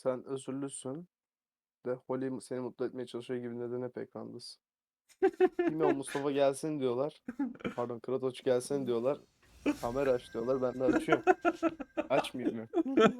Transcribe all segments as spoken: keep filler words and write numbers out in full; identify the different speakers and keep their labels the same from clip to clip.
Speaker 1: Sen özürlüsün de Holly seni mutlu etmeye çalışıyor gibi neden hep ekrandasın? Bilmiyorum, Mustafa gelsin diyorlar. Pardon, Kratoç gelsin diyorlar. Kamera aç diyorlar. Ben de açıyorum. Açmayayım mı?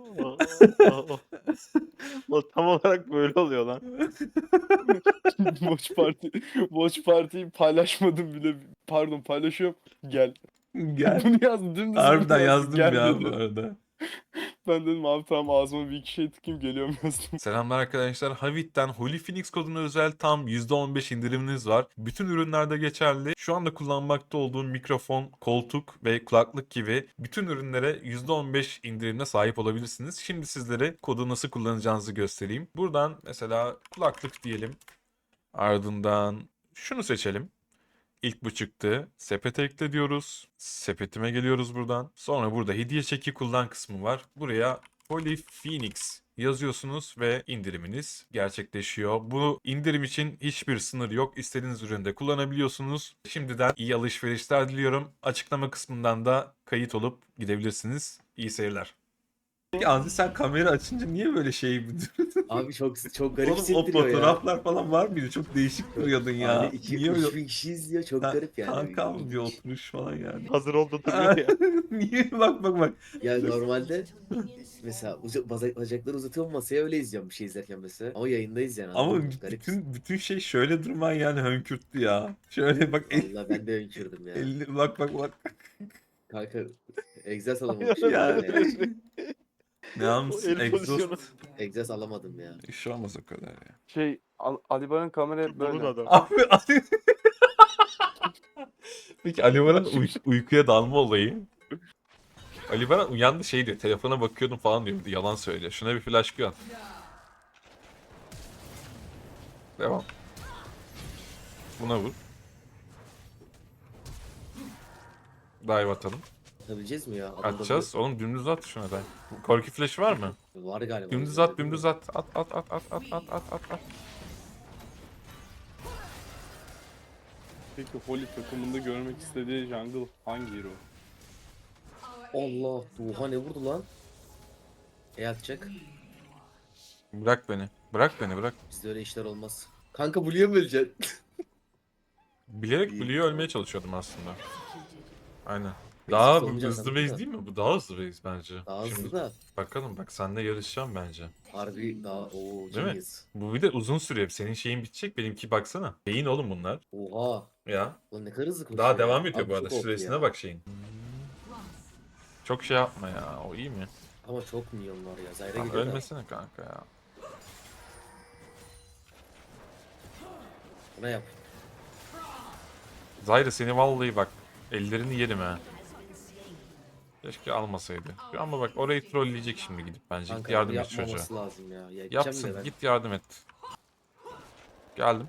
Speaker 2: O tam olarak böyle oluyor lan.
Speaker 1: Watch Party. Watch Party'yi paylaşmadım bile. Pardon, paylaşıyorum. Gel.
Speaker 3: Gel.
Speaker 1: Bunu yazdım. Dümdüz bunu
Speaker 3: Harbiden
Speaker 1: yazdım.
Speaker 3: yazdım
Speaker 1: Gel
Speaker 3: ya bu
Speaker 1: dedi.
Speaker 3: arada.
Speaker 1: Ben dedim abi tamam, ağzıma bir iki şey tıkayım, geliyorum yazdım.
Speaker 3: Selamlar arkadaşlar. Havit'ten Holy Phoenix koduna özel tam yüzde on beş indiriminiz var. Bütün ürünlerde geçerli. Şu anda kullanmakta olduğum mikrofon, koltuk ve kulaklık gibi bütün ürünlere yüzde on beş indirimle sahip olabilirsiniz. Şimdi sizlere kodu nasıl kullanacağınızı göstereyim. Buradan mesela kulaklık diyelim. Ardından şunu seçelim. İlk bu çıktı. Sepete ekle diyoruz. Sepetime geliyoruz buradan. Sonra burada hediye çeki kullan kısmı var. Buraya Holy Phoenix yazıyorsunuz ve indiriminiz gerçekleşiyor. Bu indirim için hiçbir sınır yok. İstediğiniz üründe kullanabiliyorsunuz. Şimdiden iyi alışverişler diliyorum. Açıklama kısmından da kayıt olup gidebilirsiniz. İyi seyirler. Abi sen kamera açınca niye böyle şey
Speaker 4: Abi çok çok garip
Speaker 3: Oğlum o
Speaker 4: hissettiriyor ya.
Speaker 3: fotoğraflar falan var mıydı? Çok değişik duruyordun ya.
Speaker 4: Hani iki
Speaker 3: Niye
Speaker 4: üç
Speaker 3: öyle?
Speaker 4: bin kişi izliyor, çok
Speaker 3: Ha,
Speaker 4: garip yani.
Speaker 3: kankam diyor
Speaker 4: İlginç.
Speaker 3: oturuş falan yani.
Speaker 2: Hazır oldu duruyor ya.
Speaker 3: Niye? Bak bak bak.
Speaker 4: Ya normalde mesela uza, baza- bacakları uzatıyorum masaya, öyle izliyorum bir şey izlerken mesela. Ama yayındayız yani,
Speaker 3: Ama
Speaker 4: anladın mı? Garip.
Speaker 3: bütün bütün şey şöyle durman yani hönkürttü ya. Şöyle bak el,
Speaker 4: Vallahi ben de önkürdüm ya.
Speaker 3: elli bak bak bak.
Speaker 4: Kanka egzaz alamamışım
Speaker 3: Ya.
Speaker 4: ya. ya.
Speaker 3: Ne
Speaker 2: O
Speaker 3: almışsın?
Speaker 2: el pozisyonu.
Speaker 3: Exhaust.
Speaker 4: Egzaz alamadım ya.
Speaker 3: İş olmaz o kadar ya.
Speaker 1: Şey, Al- Ali Baran kamera hep
Speaker 2: Bunun
Speaker 1: böyle.
Speaker 2: adam.
Speaker 3: Abi Ali... Peki Ali Baran uy- uykuya dalma olayı. Ali Baran uyandı şey diyor. Telefona bakıyordum falan diyor. Yalan söylüyor. Şuna bir flash at. Devam. Buna vur. Dive atalım.
Speaker 4: Atabileceğiz mi ya? Adamda
Speaker 3: Atacağız. Oğlum dümdüz at şuna da. Korki flash'ı var mı?
Speaker 4: bir- Var galiba.
Speaker 3: Dümdüz
Speaker 4: Öyle
Speaker 3: at,
Speaker 4: değil mi?
Speaker 3: dümdüz at. At at at at at at at at at.
Speaker 1: Peki Holly takımında görmek istediği jungle hangi hero?
Speaker 4: Allah, Duha ne vurdu lan? E atacak.
Speaker 3: Bırak beni. Bırak beni bırak.
Speaker 4: Bizde öyle işler olmaz. Kanka Blue'ya mı öleceksin?
Speaker 3: Bilerek
Speaker 4: İyi.
Speaker 3: Blue'yu ölmeye çalışıyordum aslında. Aynen.
Speaker 4: Basic
Speaker 3: Daha
Speaker 4: olmayacak
Speaker 3: hızlı
Speaker 4: sandım
Speaker 3: base
Speaker 4: da.
Speaker 3: değil mi? Bu daha hızlı base bence.
Speaker 4: Daha hızlı
Speaker 3: Şimdi
Speaker 4: da.
Speaker 3: bakalım bak seninle yarışacağım bence.
Speaker 4: Harbi daha o
Speaker 3: Değil mi?
Speaker 4: genius.
Speaker 3: Bu bir de uzun sürüyor. Senin şeyin bitecek. Benimki baksana. Beyin oğlum bunlar.
Speaker 4: Oha.
Speaker 3: Ya.
Speaker 4: Lan ne kadar hızlı koşuyor
Speaker 3: Daha devam
Speaker 4: ya.
Speaker 3: ediyor
Speaker 4: Abi
Speaker 3: bu arada.
Speaker 4: çok O P
Speaker 3: Süresine
Speaker 4: ya.
Speaker 3: bak şeyin. Çok şey yapma ya. O iyi mi?
Speaker 4: Ama çok milyon var ya. Zayra
Speaker 3: Tamam,
Speaker 4: geliyor da.
Speaker 3: ölmesene kanka ya.
Speaker 4: Buna yap.
Speaker 3: Zayra seni vallahi bak. Ellerini yerim ha. Keşke almasaydı. Ama bak orayı trolleyecek şimdi gidip bence. Git
Speaker 4: Kanka
Speaker 3: yardım
Speaker 4: bunu
Speaker 3: et çocuğa.
Speaker 4: yapmaması lazım ya. Ya gideceğim de
Speaker 3: Yapsın.
Speaker 4: ben.
Speaker 3: Git yardım et. Geldim.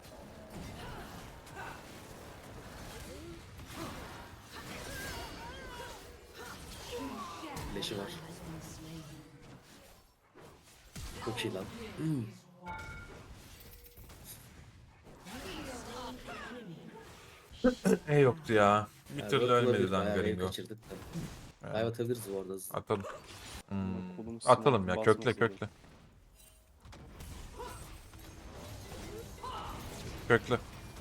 Speaker 4: Flash'i var. Çok iyi lan. Hmm.
Speaker 3: E yoktu ya. Bir
Speaker 4: Ya,
Speaker 3: türlü
Speaker 4: World
Speaker 3: ölmedi
Speaker 4: olabilir,
Speaker 3: lan
Speaker 4: bayağı wave
Speaker 3: Gringo.
Speaker 4: kaçırdık da.
Speaker 3: Evet.
Speaker 4: Dive atabiliriz bu arada hızlı.
Speaker 3: Atalım. Hmm.
Speaker 1: Kolum
Speaker 3: Atalım ya.
Speaker 1: sınavı
Speaker 3: Kökle
Speaker 1: basmasın
Speaker 3: kökle. Kökle.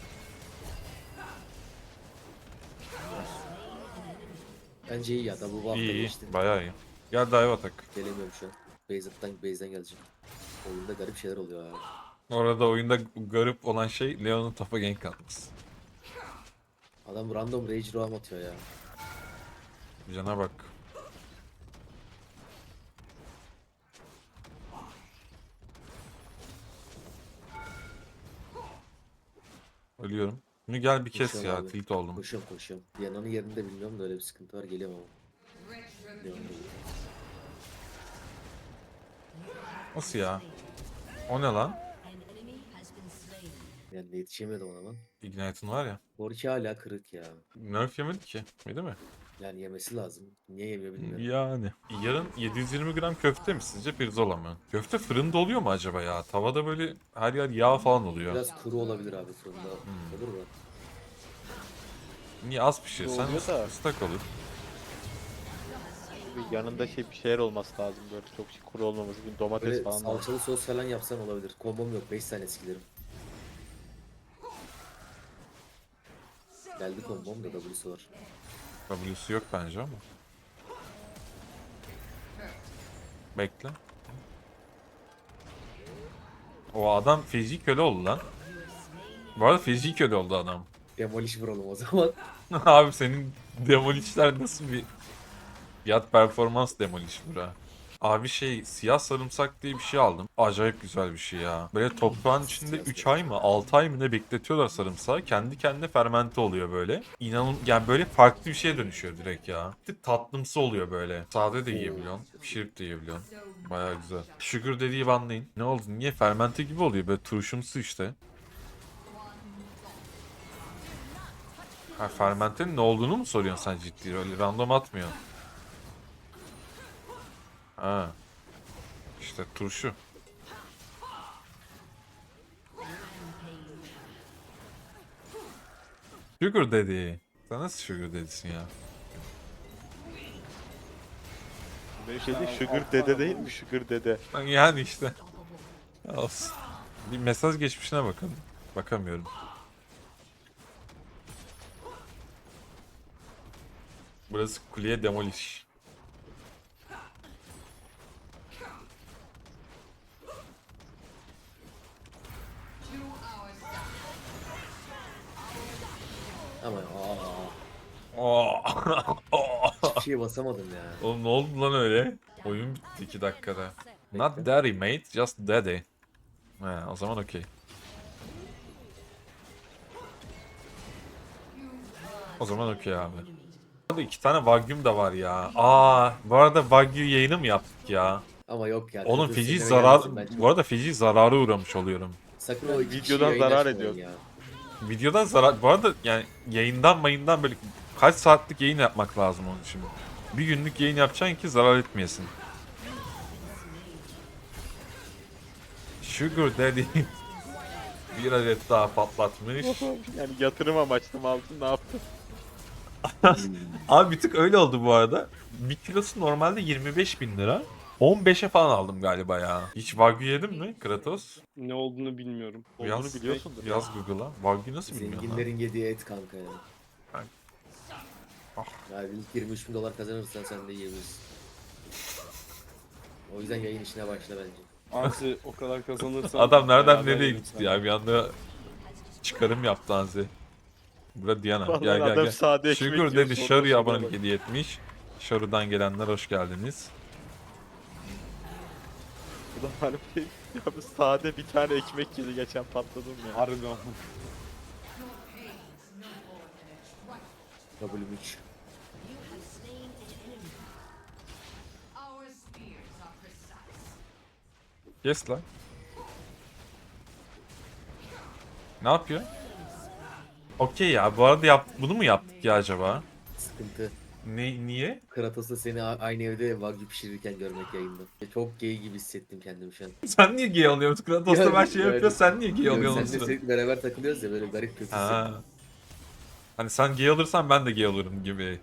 Speaker 4: Bence iyi ya da bu hafta
Speaker 3: İyi iyi.
Speaker 4: geçti.
Speaker 3: Bayağı iyi. Gel dive atak.
Speaker 4: Gelemiyorum şu an. Base'den base'den geleceğim. Oyunda garip şeyler oluyor ya.
Speaker 3: Orada oyunda garip olan şey Leon'un topa gank atması.
Speaker 4: Adam random rage roam atıyor ya.
Speaker 3: Cana bak. Ölüyorum. Bunu gel bir kes
Speaker 4: Koşuyorum
Speaker 3: ya.
Speaker 4: abi.
Speaker 3: Tilt oldum.
Speaker 4: Koşuyorum koşuyorum. Diana'nın yerini de bilmiyorum da öyle bir sıkıntı var. Geliyorum ama. Leon'da değil.
Speaker 3: Nasıl ya? O ne lan?
Speaker 4: Yani yetişemedim ona lan.
Speaker 3: Ignite'ın var ya.
Speaker 4: Borki hala kırık ya.
Speaker 3: Nerf yemedi ki. Yedi mi?
Speaker 4: Yani yemesi lazım. Niye yemiyor bilmiyorum.
Speaker 3: Yani. Yarın yedi yüz yirmi gram köfte mi sizce pirzola mı? Köfte fırında oluyor mu acaba ya? Tavada böyle her yer yağ falan oluyor.
Speaker 4: Biraz kuru olabilir abi fırında.
Speaker 3: Hmm.
Speaker 4: Olur mu?
Speaker 3: Niye az pişirsen
Speaker 1: Oluyor da.
Speaker 3: ıslak olur.
Speaker 2: Bir yanında şey bir şeyler olması lazım böyle çok şey kuru olmaması. Bir domates
Speaker 4: Böyle
Speaker 2: falan lazım.
Speaker 4: salçalı sos falan yapsan olabilir. Kombom yok. beş tane skillerim. Geldi kombom da W'su var.
Speaker 3: W'su yok bence ama. Bekle. O adam feci köle oldu lan. Bu arada feci köle oldu adam.
Speaker 4: Demolish vuralım o zaman.
Speaker 3: Abi senin demolişler nasıl bir fiyat performans demoliş bura. Abi şey siyah sarımsak diye bir şey aldım. Acayip güzel bir şey ya. Böyle toprağın içinde üç ay mı altı ay mı ne bekletiyorlar sarımsağı. Kendi kendine fermente oluyor böyle. İnanın yani böyle farklı bir şeye dönüşüyor direkt ya. Bir tık tatlımsı oluyor böyle. Sade de yiyebiliyorsun. Pişirip de yiyebiliyorsun. Baya güzel. Sugar dediği banlayın. Ne oldu? Niye? Fermente gibi oluyor. Böyle turşumsu işte. Ha fermentenin ne olduğunu mu soruyorsun sen ciddi? Öyle random atmıyor. Ha. İşte turşu. Sugar Daddy. Sen nasıl Sugar Daddy'sin ya?
Speaker 2: Bir şey değil, Sugar dede değil mi? Sugar dede.
Speaker 3: Lan yani işte. Olsun. Bir mesaj geçmişine bakın. Bakamıyorum. Burası kuleye demolish.
Speaker 4: Ama aa,
Speaker 3: Oo.
Speaker 4: hiçbir şeye basamadım ya.
Speaker 3: Oğlum ne oldu lan öyle? Oyun bitti iki dakikada. Not daddy mate, just daddy. He, o zaman okey. O zaman okey abi. Burada iki tane Wagyu'm da var ya. Aa, bu arada Wagyu yayını mı yaptık ya?
Speaker 4: Ama yok ya.
Speaker 3: Oğlum
Speaker 4: Kıbrıs
Speaker 3: feci
Speaker 4: sinirime
Speaker 3: zarar,
Speaker 4: gelmesin ben çok-
Speaker 3: bu arada feci zarara uğramış oluyorum.
Speaker 4: Sakın o iki kişiyi
Speaker 2: Videodan
Speaker 4: yayın
Speaker 2: zarar
Speaker 4: açmayın
Speaker 2: ediyor.
Speaker 4: ya.
Speaker 3: Videodan zarar, bu arada yani yayından mayından böyle kaç saatlik yayın yapmak lazım onun için. Bir günlük yayın yapacaksın ki zarar etmeyesin. Sugar Daddy bir adet daha patlatmış.
Speaker 2: Yani yatırım amaçlı mı aldın ne yaptın?
Speaker 3: Abi bir tık öyle oldu bu arada. Bir kilosu normalde yirmi beş bin lira. on beşe falan aldım galiba ya. Hiç Wagyu yedin mi Kratos?
Speaker 1: Ne olduğunu bilmiyorum.
Speaker 2: Olduğunu
Speaker 3: Yaz,
Speaker 2: biliyorsundur.
Speaker 3: Yaz Google'a. Wagyu nasıl bilmiyorsun lan?
Speaker 4: Zenginlerin yediği et kanka ya.
Speaker 3: Ben- Ah.
Speaker 4: Yani ilk yirmi üç bin dolar kazanırsan sen de yiyebilirsin. O yüzden yayın işine başla bence.
Speaker 1: Anzi o kadar kazanırsan
Speaker 3: Adam nereden
Speaker 1: beraber
Speaker 3: nereye
Speaker 1: yerim
Speaker 3: gitti
Speaker 1: seninle.
Speaker 3: ya? Bir anda çıkarım yaptı Anzi. Burada Diana.
Speaker 2: Vallahi
Speaker 3: Gel gel
Speaker 2: adam
Speaker 3: gel.
Speaker 2: sade ekmek
Speaker 3: Sugar
Speaker 2: yiyor,
Speaker 3: dedi
Speaker 2: sonra
Speaker 3: Sharu'ya
Speaker 2: sonra
Speaker 3: abonelik
Speaker 2: bak.
Speaker 3: hediye etmiş. Sharu'dan gelenler hoş geldiniz.
Speaker 2: Bu da harbi ya bu sade bir tane ekmek yedi geçen patladım ya.
Speaker 1: Harbiden.
Speaker 4: W üç.
Speaker 5: Our spears are precise.
Speaker 3: Yes lan. Ne yapıyor? Okey ya. Bu arada yap bunu mu yaptık ya acaba?
Speaker 4: Sıkıntı.
Speaker 3: Ne niye?
Speaker 4: Kratos'la seni a- aynı evde Wagyu pişirirken görmek yayında. Çok gay gibi hissettim kendimi şu an.
Speaker 3: Sen niye gay oluyorsun? Kratos'ta
Speaker 4: Yani-
Speaker 3: ben şey
Speaker 4: yani-
Speaker 3: yapıyor. Sen niye gay
Speaker 4: Yok,
Speaker 3: oluyorsun?
Speaker 4: seninle sürekli beraber takılıyoruz ya böyle garip kötü hissettim.
Speaker 3: Ha. Hani sen gay olursan ben de gay olurum gibi.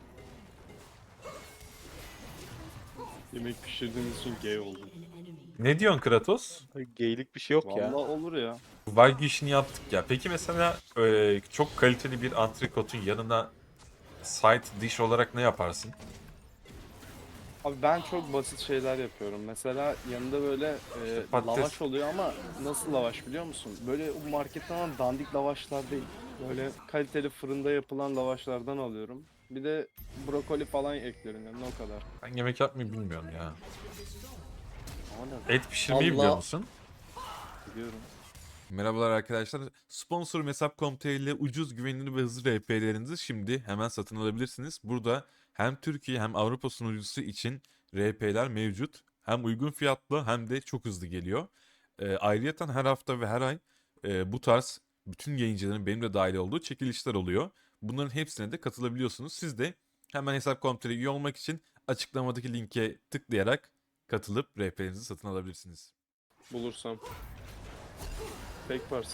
Speaker 1: Yemek pişirdiğiniz için gay oldum.
Speaker 3: Ne diyorsun Kratos?
Speaker 2: Geylik bir şey yok
Speaker 1: Vallahi
Speaker 2: ya.
Speaker 1: olur ya.
Speaker 3: Wagyu işini yaptık ya. Peki mesela e, çok kaliteli bir antrikotun yanına side dish olarak ne yaparsın?
Speaker 1: Abi ben çok basit şeyler yapıyorum. Mesela yanında böyle e,
Speaker 3: Patates.
Speaker 1: lavaş oluyor ama nasıl lavaş biliyor musun? Böyle o marketten alan dandik lavaşlar değil. Böyle kaliteli fırında yapılan lavaşlardan alıyorum. Bir de brokoli falan ekliyorum yanına o kadar.
Speaker 3: Ben yemek yapmayı bilmiyorum ya.
Speaker 1: Ama ne
Speaker 3: Et pişirmeyi
Speaker 4: Allah.
Speaker 3: biliyor musun?
Speaker 1: biliyorum.
Speaker 3: Merhabalar arkadaşlar. Sponsorum hesap nokta com nokta tr ile ucuz, güvenilir ve hızlı R P'lerinizi şimdi hemen satın alabilirsiniz. Burada hem Türkiye hem Avrupa sunucusu için R P'ler mevcut. Hem uygun fiyatlı hem de çok hızlı geliyor. Ee, ayrıyeten her hafta ve her ay e, bu tarz bütün yayıncıların benim de dahil olduğu çekilişler oluyor. Bunların hepsine de katılabiliyorsunuz. Siz de hemen hesap nokta com nokta tr üye olmak için açıklamadaki linke tıklayarak katılıp R P'lerinizi satın alabilirsiniz.
Speaker 1: Bulursam. Tek pars.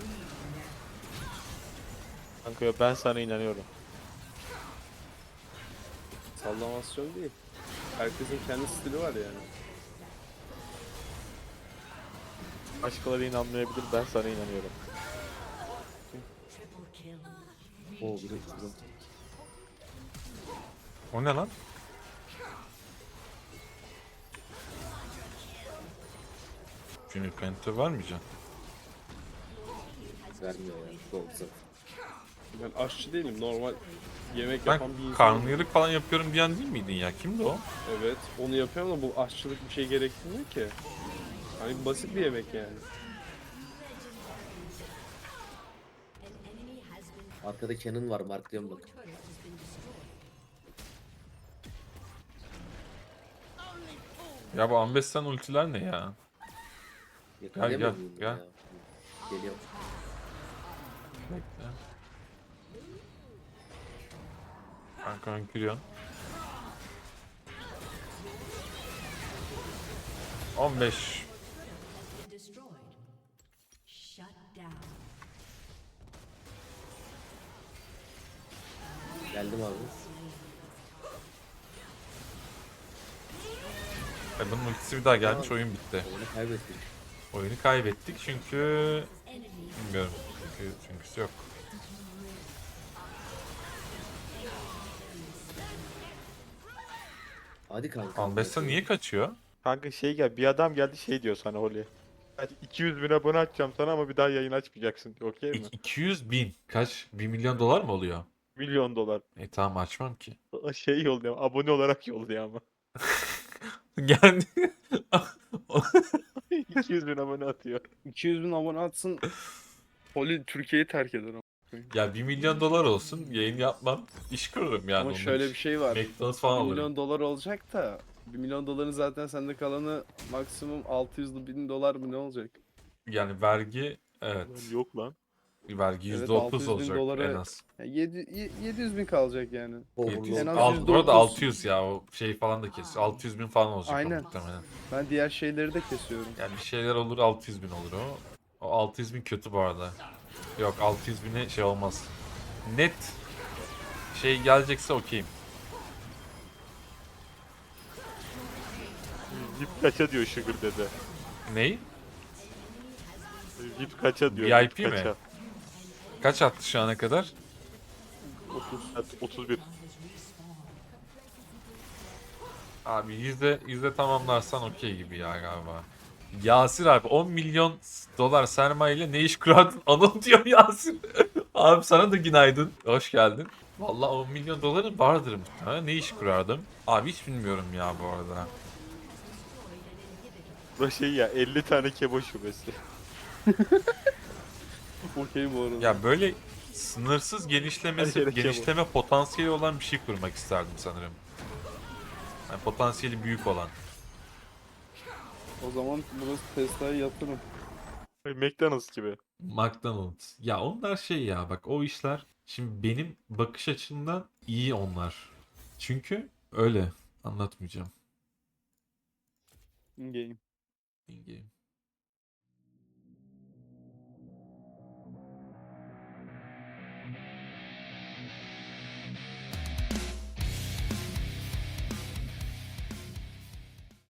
Speaker 2: Kanka yo, ben sana inanıyorum.
Speaker 1: Sallamasyon değil. Herkesin kendi stili var yani.
Speaker 2: Başkaları inanmayabilir, ben sana inanıyorum.
Speaker 4: Oo bir dakika.
Speaker 3: O ne lan? Junior Penta vermeyeceğim.
Speaker 4: Vermiyor ya. Doğru zaten.
Speaker 1: Ben aşçı değilim. Normal yemek
Speaker 3: Ben
Speaker 1: yapan bir insanım.
Speaker 3: karnıyarık falan yapıyorum diyen değil miydin ya? Kimdi o?
Speaker 1: Evet. Onu yapıyorum ama bu aşçılık bir şey gerektirmiyor ki. Hani basit bir yemek yani.
Speaker 4: Arkada Canon var, marklıyorum bak.
Speaker 3: Ya bu Ambestan ultiler ne ya?
Speaker 4: Yakalayamıyor
Speaker 3: gel,
Speaker 4: muyum
Speaker 3: gel.
Speaker 4: ya? Geliyorum.
Speaker 3: Bekle. Kanka giriyorsun. on beş.
Speaker 5: Destroyed. Shut down.
Speaker 4: Geldim abi.
Speaker 3: E bunun ultisi bir daha gelmiş, oyun bitti.
Speaker 4: Oyunu kaybettik.
Speaker 3: Oyunu kaybettik çünkü... Bilmiyorum. Çünkü, çünküsü yok.
Speaker 4: Hadi kanka.
Speaker 3: Ambessa niye kaçıyor?
Speaker 2: Kanka şey gel, bir adam geldi şey diyor sana Holly. Hadi iki yüz bin abone açacağım sana ama bir daha yayın açmayacaksın. Okey mi?
Speaker 3: İ- iki yüz bin. Kaç? bir milyon dolar mı oluyor?
Speaker 2: Milyon dolar.
Speaker 3: E tamam, açmam ki.
Speaker 2: Şey yolluyor, abone olarak yolluyor ama.
Speaker 3: Geldi.
Speaker 2: iki yüz bin abone atıyor.
Speaker 1: iki yüz bin abone atsın. Poli Türkiye'yi terk eder ama.
Speaker 3: Ya bir milyon dolar olsun, yayın yapmam. İş kururum yani
Speaker 1: Ama
Speaker 3: onun
Speaker 1: şöyle
Speaker 3: için.
Speaker 1: bir şey var.
Speaker 3: McDonald's falan
Speaker 1: bir
Speaker 3: alırım.
Speaker 1: milyon dolar olacak da bir milyon doların zaten sende kalanı maksimum altı yüz bin dolar mı ne olacak?
Speaker 3: Yani vergi, evet.
Speaker 2: Yok lan.
Speaker 3: Vergi
Speaker 1: Evet,
Speaker 3: yüzde otuz
Speaker 1: altı yüz bin
Speaker 3: olacak
Speaker 1: dolara-
Speaker 3: en az.
Speaker 1: Ya yedi yüz bin kalacak yani.
Speaker 3: yedi yüz,
Speaker 1: En az
Speaker 3: alt,
Speaker 1: yüzde
Speaker 3: bu arada
Speaker 1: otuz.
Speaker 3: altı yüz ya, o şey falan da kesiyor. altı yüz bin falan olacak
Speaker 1: Aynen.
Speaker 3: o muhtemelen.
Speaker 1: Ben diğer şeyleri de kesiyorum.
Speaker 3: Yani bir şeyler olur, altı yüz bin olur o. O altı yüz bin kötü bu arada. Yok, altı yüz bine şey olmaz. Net şey gelecekse okeyim.
Speaker 2: V I P kaça diyor Sugar dede.
Speaker 3: Ney?
Speaker 2: V I P kaça diyor.
Speaker 3: V I P mi?
Speaker 2: kaça?
Speaker 3: Kaç attı şu ana kadar?
Speaker 2: otuz. Evet, otuz bir.
Speaker 3: Abi yüzde yüzde tamamlarsan okey gibi ya galiba. Yasir abi on milyon dolar sermayeyle ne iş kurardın? Anıl diyor Yasir. Abi sana da günaydın. Hoş geldin. Vallahi on milyon doların vardır muhtemelen. Ne iş kurardım? Abi hiç bilmiyorum ya bu arada.
Speaker 2: Bu şey ya, elli tane kebo şubesi.
Speaker 1: Okey bu arada.
Speaker 3: Ya böyle sınırsız genişlemesi,
Speaker 2: Her yere
Speaker 3: genişleme potansiyeli olan bir şey kurmak isterdim sanırım. Yani potansiyeli büyük olan.
Speaker 1: O zaman burası Tesla'ya yatırım.
Speaker 2: McDonald's gibi.
Speaker 3: McDonald's. Ya onlar şey ya, bak o işler şimdi benim bakış açımdan iyi onlar. Çünkü öyle anlatmayacağım.
Speaker 1: In game.
Speaker 3: In game.